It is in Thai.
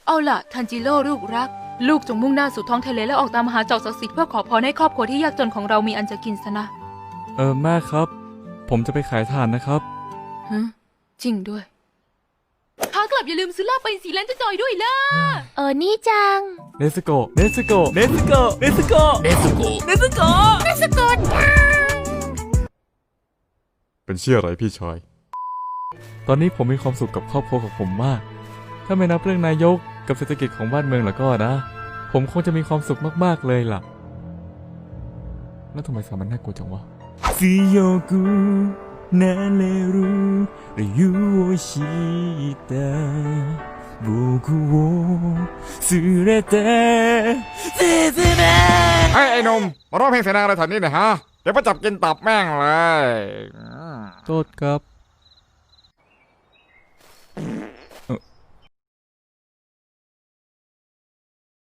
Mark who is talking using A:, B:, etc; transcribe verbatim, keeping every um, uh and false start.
A: เอาล่ะทันจิโร่ลูกรักลูกจงมุ่งหน้าสู่ท้องทะเลและออกตามหาเจ้าศักดิ์สิทธิ์เพื่อขอพรให้ครอบครัวที่ยากจนของเรามีอันจะกินซะนะ
B: เออแม่ครับผมจะไปขายถ่านนะครับ
A: ฮะจริงด้วยขากลับอย่าลืมซื้อลาบไปสีแลนด์จะจอยด้วยล่ะ
C: เออนี่จัง
B: เนสโกเนสโกเนสโกเนสโกเนสโกเนสโก
C: เนสโก
B: เป็นเชื่ออะไรพี่ชายตอนนี้ผมมีความสุขกับครอบครัวของผมมากถ้าไม่นับเรื่องนายกกับเศรษฐกิจของบ้านเมืองแล้วก็นะผมคงจะมีความสุขมากๆเลยล่ะแล้วทำไมสามันน่ากลัวจังวะ強くなれる理由を知った僕を連れて進め
D: ไอ้ไอ้หนุ่มมาร้องเพลงเสียงดังอะไรแถวนี้หน่อยฮะเดี๋ยวมาจับกินตับแม่งเลย
B: โทษครับ